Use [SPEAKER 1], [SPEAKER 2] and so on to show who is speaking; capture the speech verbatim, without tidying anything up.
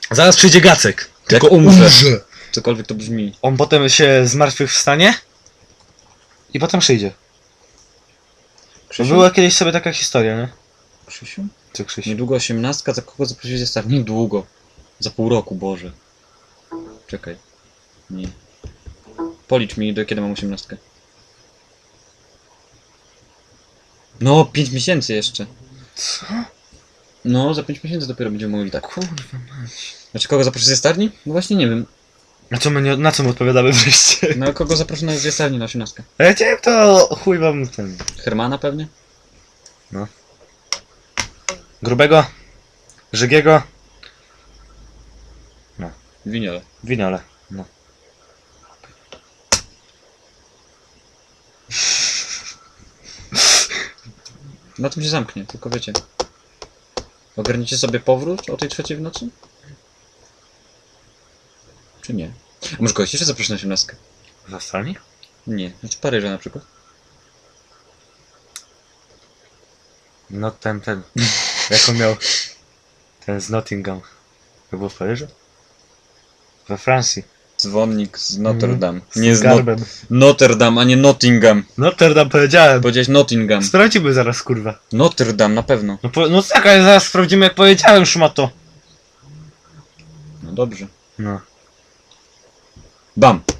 [SPEAKER 1] Zaraz przyjdzie Gacek.
[SPEAKER 2] Jak
[SPEAKER 1] Tylko
[SPEAKER 2] umrze.
[SPEAKER 1] umrze.
[SPEAKER 2] Cokolwiek to brzmi.
[SPEAKER 1] On potem się zmartwychwstanie i potem przyjdzie.
[SPEAKER 2] Krzysiu?
[SPEAKER 1] Była kiedyś sobie taka historia, nie?
[SPEAKER 2] Krzysiu?
[SPEAKER 1] Co, Krzysiu?
[SPEAKER 2] Niedługo osiemnastka, za kogo zaprosić zestaw? Niedługo. Za pół roku, Boże. Czekaj. Nie. Policz mi, do kiedy mam osiemnastkę. No, pięć miesięcy jeszcze.
[SPEAKER 1] Co?
[SPEAKER 2] No, za pięć miesięcy dopiero będziemy mogli tak.
[SPEAKER 1] Kurwa mać.
[SPEAKER 2] Znaczy, kogo zaprosić ze starni? No właśnie nie wiem.
[SPEAKER 1] Na co my, nie, na co my odpowiadamy wreszcie?
[SPEAKER 2] No, kogo zaproszę na ze starni na osiemnastkę?
[SPEAKER 1] A ja chciałem to chuj wam ten...
[SPEAKER 2] Hermana pewnie?
[SPEAKER 1] Grubego, Żygiego,
[SPEAKER 2] Winiole.
[SPEAKER 1] Winiole. No.
[SPEAKER 2] Na tym się zamknie, tylko wiecie. Ogarniecie sobie powrót o tej trzeciej w nocy? Czy nie? A może kogoś jeszcze zaproszę na osiemnastkę?
[SPEAKER 1] Zastalni?
[SPEAKER 2] Nie, znaczy Paryża na przykład.
[SPEAKER 1] No ten, ten. Jak on miał... Ten z Nottingham. To było w Paryżu? We Francji.
[SPEAKER 2] Dzwonnik z Notre Dame.
[SPEAKER 1] Z
[SPEAKER 2] Nie z no
[SPEAKER 1] garbem.
[SPEAKER 2] Notre Dame, a nie Nottingham.
[SPEAKER 1] Notre Dame powiedziałem.
[SPEAKER 2] Powiedziałeś Nottingham.
[SPEAKER 1] Sprawdzimy zaraz, kurwa.
[SPEAKER 2] Notre Dame, na pewno.
[SPEAKER 1] No, po, no tak, ale zaraz sprawdzimy jak powiedziałem, szmato.
[SPEAKER 2] No dobrze.
[SPEAKER 1] No.
[SPEAKER 2] Bam!